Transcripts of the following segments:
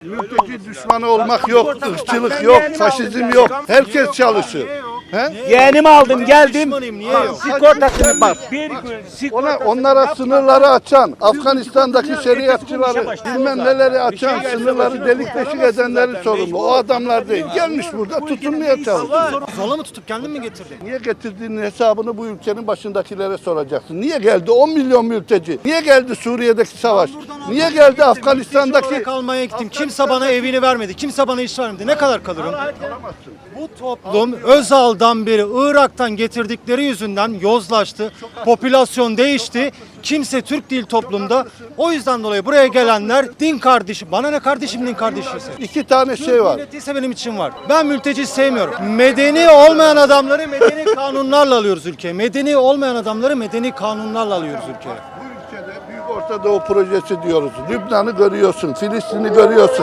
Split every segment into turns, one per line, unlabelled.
Mülteci düşmanı olmak yok, ırkçılık yok, faşizm yok. Herkes çalışır. He?
Yeğenimi aldım geldim.
Niye yok?
Sigortasını bak. Bir gün
Onlara sınırları açan, Afganistan'daki şeriatçıları, bilmem neleri açan, sınırları delik deşik edenlerin sorumlu. O adamlar değil. Gelmiş burada tutunmaya çalışıyor.
Zorla mı tutup kendin mi getirdin?
Niye getirdiğinin hesabını bu ülkenin başındakilere soracaksın. Niye geldi 10 milyon mülteci? Niye geldi Suriye'deki savaş? Niye geldi Afganistan'daki...
Kalmaya gittim. Kimse bana evini vermedi. Kimse bana iş vermedi. Ne kadar kalırım? Bu toplum Özal'dan beri Irak'tan getirdikleri yüzünden yozlaştı. Popülasyon değişti. Kimse Türk değil toplumda. O yüzden dolayı buraya gelenler din kardeşi. Bana ne kardeşim din kardeşiyse.
İki tane şey var.
Milletiyse benim için var. Ben mülteci sevmiyorum. Medeni olmayan adamları medeni kanunlarla alıyoruz ülkeye. Medeni olmayan adamları medeni kanunlarla alıyoruz ülkeye.
Bu ülkede Büyük Orta Doğu Projesi diyoruz. Lübnan'ı görüyorsun, Filistin'i görüyorsun.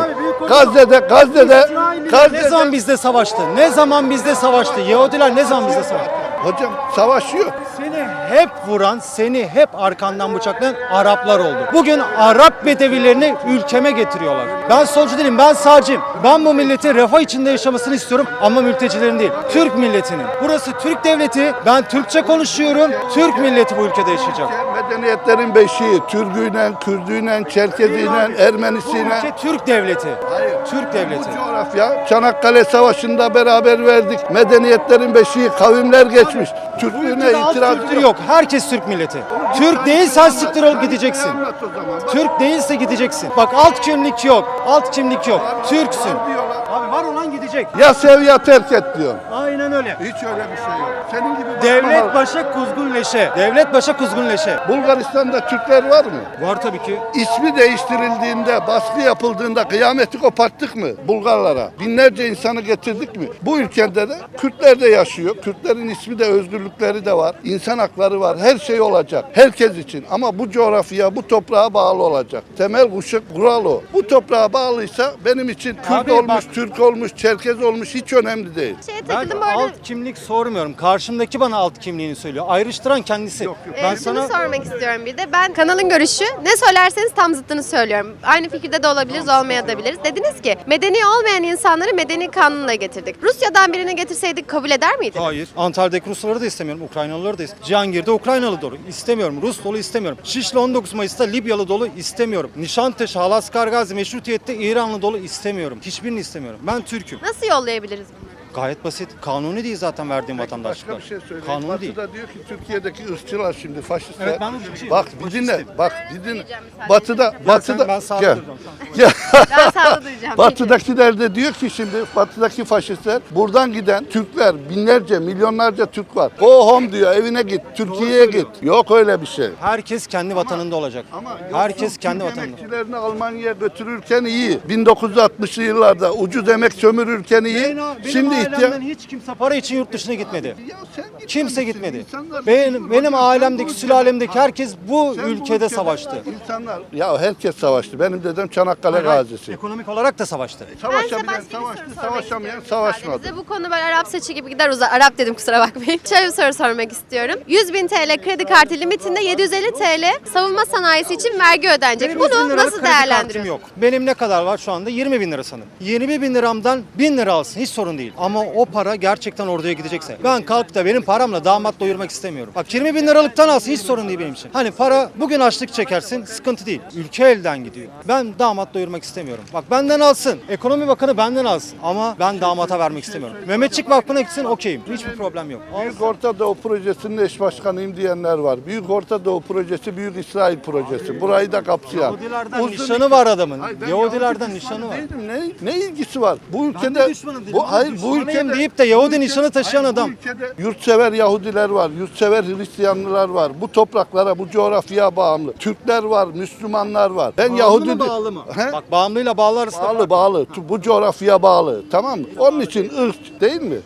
Gazze'de
Ne zaman bizde savaştı? Ne zaman bizde savaştı? Yahudiler ne zaman bizde savaştı?
hocam savaşıyor.
Seni hep vuran, seni hep arkandan bıçaklayan Araplar oldu. Bugün Arap bedevilerini ülkeme getiriyorlar. Ben solcu değilim, ben sağcıyım. Ben bu milletin refah içinde yaşamasını istiyorum ama mültecilerin değil. Türk milletinin. Burası Türk devleti. Ben Türkçe konuşuyorum. Türk milleti bu ülkede yaşayacak.
Medeniyetlerin beşiği, Türküyle, Kürdüyle, Çerkeziyle, Ermenisiyle.
Ülke Türk devleti.
Hayır.
Türk devleti.
Bu coğrafya Çanakkale Savaşı'nda beraber verdik. Medeniyetlerin beşiği, kavimler geçmiş. Türklüğüne itiraz
Kültür yok. Herkes Türk milleti. Türk değilsen siktir olup gideceksin.
Anlat o zaman.
Türk değilse gideceksin. Bak alt kimlik yok. Alt kimlik yok. Türksün.
Diyorlar.
Abi var olan gidecek.
Ya sev ya terk et diyor.
Aynen öyle.
Hiç öyle bir şey yok. Senin gibi
Devlet başa kuzgun leşe. Devlet başa kuzgun leşe.
Bulgaristan'da Türkler var mı?
Var tabii ki.
İsmi değiştirildiğinde, baskı yapıldığında kıyameti koparttık mı Bulgarlara? Binlerce insanı getirdik mi? Bu ülkede de Kürtler de yaşıyor. Kürtlerin ismi de, özgürlükleri de var. İnsan hakları var. Her şey olacak. Herkes için. Ama bu coğrafya, bu toprağa bağlı olacak. Temel kural o. Bu toprağa bağlıysa benim için Kürt
Abi
olmuş,
bak-
Türk olmuş, Çerkez olmuş hiç önemli değil.
Ben
Takıldım bu arada.
alt kimlik sormuyorum. Karşımdaki bana alt kimliğini söylüyor. Ayrıştıran kendisi. Ben
Şunu
sana
sormak istiyorum bir de. Ben kanalın görüşü ne söylerseniz tam zıttını söylüyorum. Aynı fikirde de olabiliriz, olmayabiliriz. Dediniz ki medeni olmayan insanları medeni kanunla getirdik. Rusya'dan birini getirseydik kabul eder miydiniz?
hayır. Antalya'daki Rusları da istemiyorum. Ukraynalıları da istemiyorum. Cihangir'de Ukraynalı dolu istemiyorum. Rus dolu istemiyorum. Şişli 19 Mayıs'ta Libyalı dolu istemiyorum. Nişantaşı, Halaskar-Gazi, Meşrutiyet'te İranlı dolu istemiyorum. Hiçbirini istemiyorum. Ben Türk'üm.
Nasıl yollayabiliriz bunları?
Gayet basit. Kanuni değil zaten verdiğim
Başka
vatandaşlıklar.
bir şey söyleyeyim.
Kanuni değil.
Batı'da diyor ki Türkiye'deki ırkçılar şimdi faşistler.
Evet, ben ırkçıyım.
Bak bir dinle.
Faşistim.
Bak bir dinle.
Diyeceğim müsaade
Batı'da
Ben sağda
gel.
duracağım.
Gel.
Ben sağda duyacağım.
Batı'dakiler de diyor ki şimdi batıdaki faşistler buradan giden Türkler binlerce milyonlarca Türk var. Go home diyor, evine git, Türkiye'ye git. Yok öyle bir şey.
Herkes kendi vatanında olacak. Herkes kendi
Türk
vatanında.
emekçilerini Almanya'ya götürürken iyi. 1960'lı yıllarda ucuz emek sömürürken iyi. Şimdi
ailemden hiç kimse para için yurt dışına gitmedi.
Ya sen gitmemişsin.
Kimse gitmedi.
İnsanlar
Benim
Sen
ailemdeki,
bu
sülalemdeki
ülkede-
herkes bu
Sen
ülkede
ülkede
savaştı.
İnsanlar ya herkes savaştı. Benim dedem Çanakkale gazisi.
Ekonomik olarak da savaştı.
Ben size
Savaşabilen
başka bir soru
savaştı,
sormak
savaşamayan
istiyorum
savaşmadı.
müsaadenizle. Bu konu böyle Arap saçı gibi gider uzar. Arap dedim kusura bakmayın. Şöyle bir soru sormak istiyorum. 100.000 TL kredi kartı limitinde 750 TL savunma sanayisi için vergi ödenecek.
Benim 100 bin
Bunu
liralık
nasıl
kredi kartım
değerlendiriyorsunuz?
yok. Benim ne kadar var şu anda? 20 bin lira sanırım. 20 bin liramdan 1000 lira alsın hiç sorun değil. Ama o para gerçekten orduya gidecekse. Ben kalkıp da benim paramla damat doyurmak istemiyorum. Bak 20 bin liralıktan alsın hiç sorun değil benim için. Hani para bugün açlık çekersin sıkıntı değil. Ülke elden gidiyor. Ben damat doyurmak istemiyorum. Bak benden alsın. Ekonomi Bakanı benden alsın. Ama ben damata vermek istemiyorum. Mehmetçik Vakfı'na gitsin okeyim. Hiçbir problem yok.
Büyük Orta Doğu Projesi'nin eş başkanıyım diyenler var. Büyük Orta Doğu Projesi, Büyük İsrail Projesi. Burayı da kapsayan.
Yahudilerden
Uzun
nişanı
iki-
var adamın.
Hayır, ben
Yahudilerden
Yahudi
nişanı
düşmanı
var.
değilim. Ne ilgisi var? Bu
Ben
ülkede
de düşmanım dedim.
hayır bu
Düşmanıyım
ülkede
deyip de Yahudi
bu ülkede-
nişanı taşıyan
hayır, bu
adam.
ülkede yurtsever Yahudiler var, yurtsever Hristiyanlılar var. Bu topraklara, bu coğrafyaya bağımlı. Türkler var, Müslümanlar var. Ben
Bağımlı
Yahudi
mı bağlı mı?
He?
Bak bağımlıyla bağlı arasında
Bağlı. Bu coğrafyaya bağlı. Tamam mı? Onun için ırk değil mi?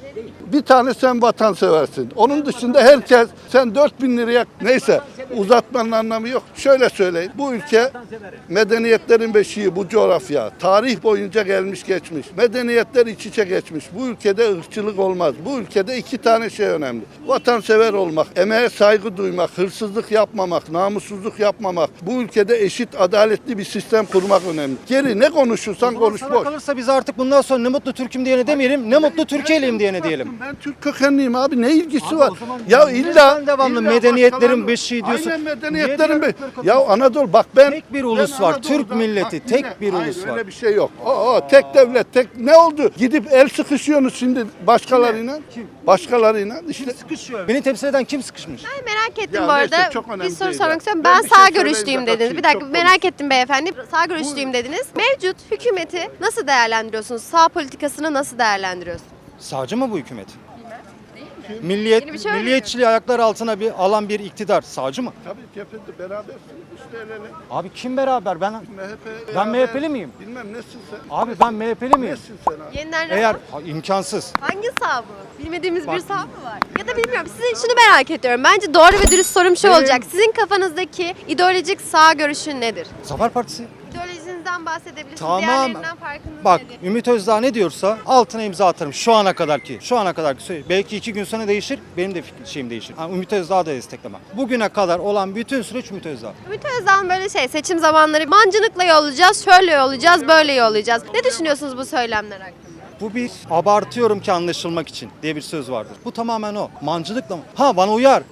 Bir tane sen vatanseversin. Onun dışında herkes sen 4.000 liraya neyse uzatmanın anlamı yok. Şöyle söyleyeyim. Bu ülke medeniyetlerin beşiği, bu coğrafya. Tarih boyunca gelmiş geçmiş. Medeniyetler iç içe geçmiş. Bu ülkede ırkçılık olmaz. Bu ülkede 2 tane şey önemli. Vatansever olmak, emeğe saygı duymak, hırsızlık yapmamak, namussuzluk yapmamak. Bu ülkede eşit, adaletli bir sistem kurmak önemli. Geri ne konuşursan konuş
Sana
boş.
kalırsa biz artık bundan sonra ne mutlu Türk'üm diyene demeyelim, ne mutlu Türkiye'liyim diyene diyelim.
Ben Türk kökenliyim abi, ne ilgisi
Abi
var?
o zaman
Ya
niye
illa
sen devamlı
illa
medeniyetlerin
başkaları-
beşiği diyorsun?
Aynen
Niye
medeniyetlerin
diğer
beşiği.
ırkları
Ya Anadolu bak ben
Tek bir ulus
ben
var,
Anadolu'da-
Türk milleti,
bak
tek
yine-
bir
hayır,
ulus var.
Öyle bir şey yok. Tek devlet, tek ne oldu? Gidip el sıkışıyorsunuz şimdi başkalarıyla.
Kim?
Başkalarıyla işte.
Sıkışıyor. Beni temsil eden kim sıkışmış?
Ben merak ettim
Ya
bu
neyse,
arada.
çok önemli
Bir soru
değil
sormak
ya.
istiyorum.
Ben
Ben
bir şey
sağ
söyleyince
görüşlüyüm dediniz.
kaçayım,
Bir dakika
çok
merak ettim beyefendi. Sağ görüşlüyüm dediniz. Mevcut hükümeti nasıl değerlendiriyorsunuz? Sağ politikasını nasıl değerlendiriyorsunuz?
Sağcı mı bu hükümet?
Yeni bir
Milliyet,
şey öğreniyorum.
milliyetçiliği ayaklar altına alan bir iktidar sağcı mı?
Tabii cephede berabersiniz işte el ele.
Abi kim beraber? Ben
MHP.
Ben MHP'li miyim?
Bilmem nesin sen.
Abi ben MHP'li miyim?
Nesin sen abi?
Yeniden
Eğer
refah.
imkansız.
Hangi sağ bu? Bilmediğimiz bir sağ mı var? Ya da bilmiyorum. Sizin şunu merak ediyorum. Bence doğru ve dürüst sorum şu olacak. Sizin kafanızdaki ideolojik sağ görüşün nedir?
Zafer Partisi.
İdeolojinizden bahsedebilirsiniz.
Tamam.
Diğerlerinden farkınız
Bak
nedir?
Ümit Özdağ ne diyorsa altına imza atarım şu ana kadarki. Şu ana kadarki söyleyeyim. Belki 2 gün sonra değişir. Benim de şeyim değişir. Yani Ümit Özdağ'ı da desteklemem. Bugüne kadar olan bütün süreç Ümit Özdağ.
Ümit Özdağ'ın böyle seçim zamanları mancınıkla yollayacağız, şöyle yollayacağız, böyle yollayacağız. Ne düşünüyorsunuz bu söylemler hakkında?
Bu bir abartıyorum ki anlaşılmak için diye bir söz vardır. Bu tamamen o. Mancılıkla mı? Ha bana uyar.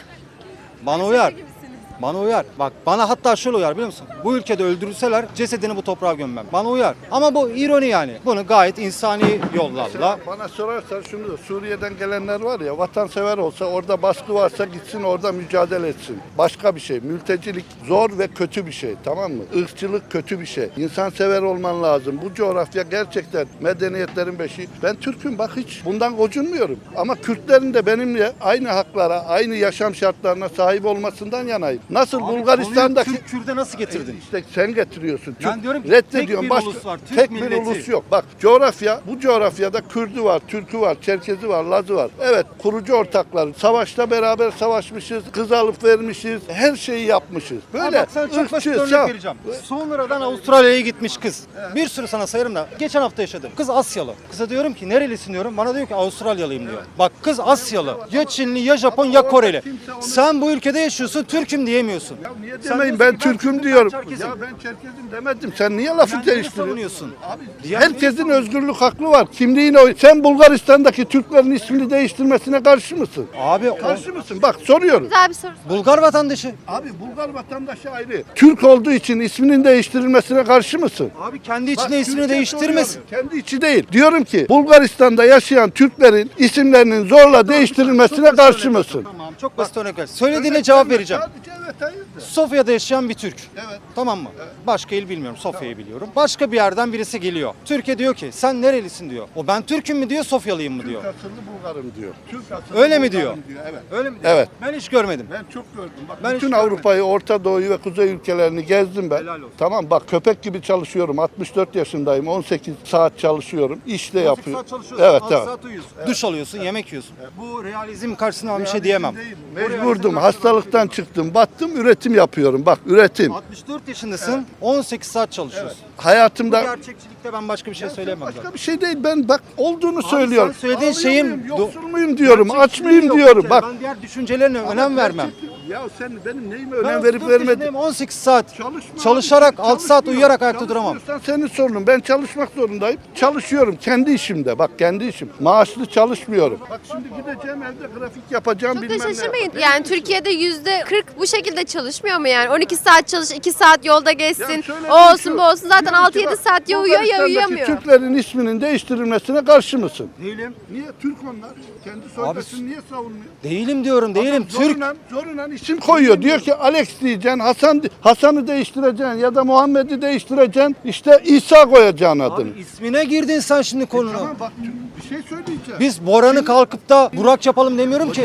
Bana uyar. Bana uyar. Bak bana hatta şöyle uyar biliyor musun? Bu ülkede öldürülseler cesedini bu toprağa gömmem. Bana uyar. Ama bu ironi yani. Bunu gayet insani yollarla.
Bana sorarsan şunu da Suriye'den gelenler var ya vatansever olsa orada baskı varsa gitsin orada mücadele etsin. Başka bir şey. Mültecilik zor ve kötü bir şey, tamam mı? Irkçılık kötü bir şey. İnsansever olman lazım. Bu coğrafya gerçekten medeniyetlerin beşiği. Ben Türk'üm bak hiç bundan gocunmuyorum. Ama Kürtlerin de benimle aynı haklara, aynı yaşam şartlarına sahip olmasından yanayım. Nasıl Bulgaristan'daki
Türk Kürt'e nasıl getirdin?
İşte sen getiriyorsun.
Ben diyorum ki
reddediyorsun.
tek bir ulus var, Türk
tek bir
milleti.
ulus yok. Bak coğrafya, bu coğrafyada Kürdü var, Türkü var, Çerkezi var, Lazı var. Evet, kurucu ortaklar. Savaşta beraber savaşmışız, kız alıp vermişiz, her şeyi yapmışız. Böyle
Bak sana çok basit
ırkçı,
örnek vereceğim. Sonradan Avustralya'ya gitmiş kız. Bir sürü sana sayarım da geçen hafta yaşadım. Kız Asyalı. Kıza diyorum ki nerelisin diyorum. Bana diyor ki Avustralyalıyım diyor. Bak kız Asyalı. Ya Çinli ya Japon ya Koreli. Sen bu ülkede yaşıyorsun Türk'üm diyemiyorsun.
Ya niye
Sen
demeyim
diyorsun
ben
ki ben
Türk'üm
Türk'üm,
diyorum.
ben Çerkezim.
Ya ben Çerkezim demedim. Sen niye lafı
Kendini
değiştiriyorsun?
savunuyorsun.
Abi herkesin özgürlük hakkı var. Kimliğine oy. Sen Bulgaristan'daki Türklerin ismini değiştirmesine karşı mısın?
Abi o
Karşı mısın? Bak soruyorum.
Güzel bir soru.
Bulgar vatandaşı.
Abi Bulgar vatandaşı ayrı. Türk olduğu için isminin değiştirilmesine karşı mısın?
Abi kendi
Bak,
içinde ismini
Türkçe
değiştirmesin.
soruyorum. Kendi içi değil. Diyorum ki Bulgaristan'da yaşayan Türklerin isimlerinin zorla değiştirilmesine karşı mısın?
Tamam çok basit örnek ver. Söylediğine cevap vereceğim.
Sadece evet hayır.
Sofya'da yaşayan bir Türk.
Evet.
Tamam mı? Başka il bilmiyorum. Sofya'yı biliyorum. Başka bir yerden birisi geliyor. Türkiye diyor ki sen nerelisin diyor. O ben Türk'üm mü diyor, Sofyalıyım mı diyor.
Türk asıllı Bulgarım diyor. Türk asıllı
Öyle mi
Bulgarım
diyor?
Evet.
Öyle mi diyor?
Evet.
Ben hiç görmedim.
Ben çok gördüm. Bak,
Ben
bütün
hiç
Avrupa'yı, Orta Doğu'yu ve Kuzey ülkelerini gezdim ben.
Helal olsun.
Tamam bak köpek gibi çalışıyorum. 64 yaşındayım. 18 saat çalışıyorum. İş de yapıyorum.
Saat çalışıyorsun.
Evet,
6
evet.
saat uyuyorsun. Duş alıyorsun, yemek yiyorsun. Bu realizm karşısında bir şey diyemem.
Mecburdum. Hastalıktan çıktım. Battım. Üretim yapıyorum. Bak üretim.
64 yaşındasın, 18 saat çalışıyorsun. Bu
Hayatımda
gerçekçilikte ben başka bir şey söyleyemem zaten.
başka bir şey değil. Ben bak olduğunu söylüyorum.
sen söylediğin
Ağlıyor
şeyin-
muyum, yoksul muyum diyorum. Aç mıyım
Yok
diyorum.
bir kere.
Bak.
Ben diğer düşüncelerine önem vermem.
Ya sen benim neyime
Ben
önem verip
34
vermedin?
yaşındayım, 18 saat
Çalışma
çalışarak
abi,
6 saat
çalışmıyor.
uyuyarak ayakta duramam.
Çalışmıyorsan senin sorunun. Ben çalışmak zorundayım. Çalışıyorum kendi işimde. Bak kendi işim. Maaşlı çalışmıyorum. Bak şimdi gideceğim evde grafik yapacağım
Çok
bilmem
da
ne.
şaşırmayın.
yapacağım.
Yani Türkiye'de %40 bu şekilde çalışmıyor mu yani? 12 saat çalış, 2 saat yolda
Ya
geçsin.
şöyle
O
bir
olsun
şu,
bu olsun. Zaten
diyorum ki
6-7
bak,
saat ya uyuyor ya
Bulgaristan'daki
uyuyamıyor.
Türklerin isminin değiştirilmesine karşı mısın?
Değilim.
Niye? Türk onlar. Kendi soydasını niye savunmuyor?
Değilim diyorum, değilim. Türk.
Zorunan isim koyuyor. Diyor ki Alex diyeceksin, Hasan'ı değiştireceksin ya da Muhammed'i değiştireceksin. İşte İsa koyacaksın adını.
Abi ismine girdin sen şimdi konuna.
Tamam bak bir şey söyleyeceğim.
Biz Boran'ı kalkıp da Burak yapalım demiyorum ki.
Bu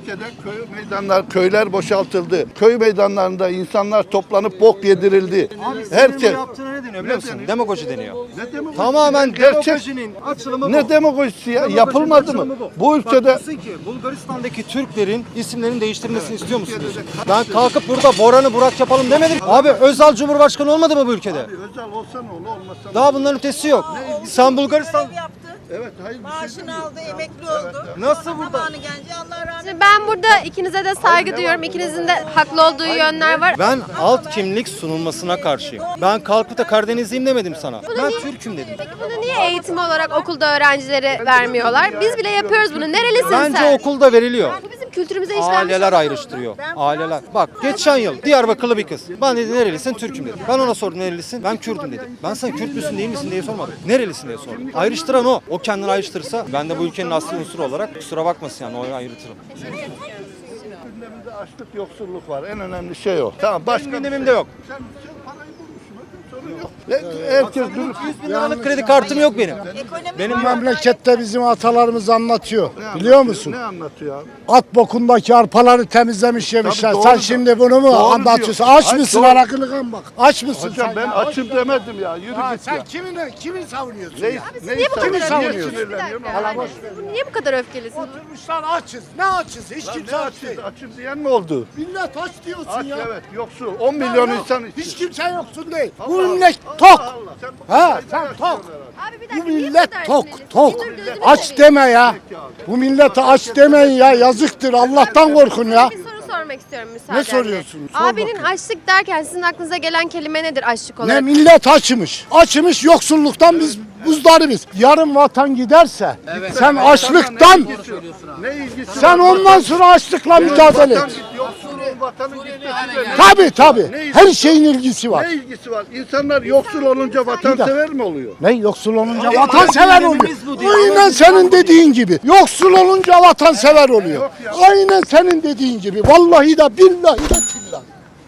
ülkede köyler boşaltıldı. Köy meydanlarında insanlar toplanıp bok yedirildi.
Herkes yaptığına ne deniyor biliyor musun? Demagoji deniyor.
Ne demagojisi?
Tamamen
Gerçek-
demagojinin açılımı bu.
Ne demagojisi ya? Yapılmadı mı? Bu
Bak
ülkede
diyorsun ki Bulgaristan'daki Türklerin isimlerinin değiştirilmesini istiyor musunuz? Ben kalkıp burada Boran'ı Burak yapalım demedim. Abi Özal Cumhurbaşkanı olmadı mı bu ülkede?
özel olsa ne olur olmasa.
Daha bunların ötesi yok. Sen Bulgaristan...
Görev yaptı.
Evet, hayır bir şey
Maaşını
demiyorum.
aldı, emekli oldu.
Nasıl burada?
Zamanı gelince Allah razı olsun.
Şimdi ben burada ikinize de saygı duyuyorum. İkinizin de haklı olduğu yönler var.
Ben alt kimlik sunulmasına karşıyım. Ben kalkıp da Karadenizliyim demedim sana. Ben
niye-
Türk'üm dedim.
Peki bunu niye eğitim olarak okulda öğrencilere vermiyorlar? Biz bile yapıyoruz bunu. Nerelisin
Bence
sen?
okulda veriliyor.
Bu bizim kültürümüze işlenmiş.
Aileler ayrıştırıyor. Aileler. Bak geçen yıl Diyarbakırlı bir kız. Ben dedi nerelisin? Türk'üm dedi. Ben ona sordum nerelisin? Ben Kürt'üm dedi. Ben sana Kürt müsün değil misin diye sormadım. Nerelisin diye sordum. Ayrıştıran o. O kendini ayrıştırsa ben de bu ülkenin asli unsuru olarak kusura bakmasın yani o ayrıtırım.
Gündemimizde açlık, yoksulluk var. En önemli şey o. Tamam, başka
Gündemimde yok.
Sen parayı bulmuşsun. Sorun yok. Herkes dürüst.
100 bin liralık kredi kartım yok benim.
Benim
Memlekette bizim atalarımız anlatıyor. Biliyor musun?
Ne anlatıyor abi?
At bokundaki arpaları temizlemiş yemişler.
Tabii
Sen
doğru
şimdi bunu mu
Doğru
anlatıyorsun?
diyor.
Aç
Hayır,
mısın
doğru.
arakını kan bak. Aç mısın
Hocam
sen?
ben
ya?
açım demedim ya. Yürü
Ha,
git
sen
ya.
kimi savunuyorsun
Ne,
ya?
ne
Niye bu kadar
niye
savunuyorsun?
öfkelisin? Bir dakika.
sinirleniyorsun?
Yani siz niye bu kadar öfkelisiniz?
Oturmuşlar açız. Ne açız? Hiç
Lan
kimse
ne
aç
açız?
değil.
Açım diyen mi oldu?
Millet aç diyorsun
Aç
ya.
evet yoksul. 10 milyon
Ya,
insan
hiç
için.
kimse yoksun değil.
Allah
Bu
Allah.
millet
Allah
tok.
Allah. Sen bu
Ha,
ülkede
sen
yaşıyorsun
tok.
herhalde.
Abi bir
Bu
dakika. niye
millet
bu kadar
tok,
sinirlisin?
tok.
Bir dur, gözünü
Aç
seveyim.
deme ya. Bu millete aç demeyin ya. Yazıktır. Allah'tan korkun ya.
Bir soru sormak istiyorum müsaadenle.
Ne soruyorsun? Sor
Abinin
bakayım.
açlık derken sizin aklınıza gelen kelime nedir açlık
Ne
olarak?
millet açmış. Açmış yoksulluktan biz buzdarıyız. Yarın vatan giderse sen açlıktan
Ne ilgisi
sen
var?
ondan sonra açlıkla mücadele
Vatan
et.
git, yoksulluğun vatanın gitmesiyle ne-
Tabii tabii.
Ne ilgisi
Her şeyin ilgisi var.
Ne ilgisi var? İnsanlar yoksul olunca vatansever mi oluyor?
Ne yoksul olunca vatansever oluyor. Aynen senin dediğin gibi. Yoksul olunca vatansever oluyor. Aynen senin dediğin gibi. Vallahi de billahi de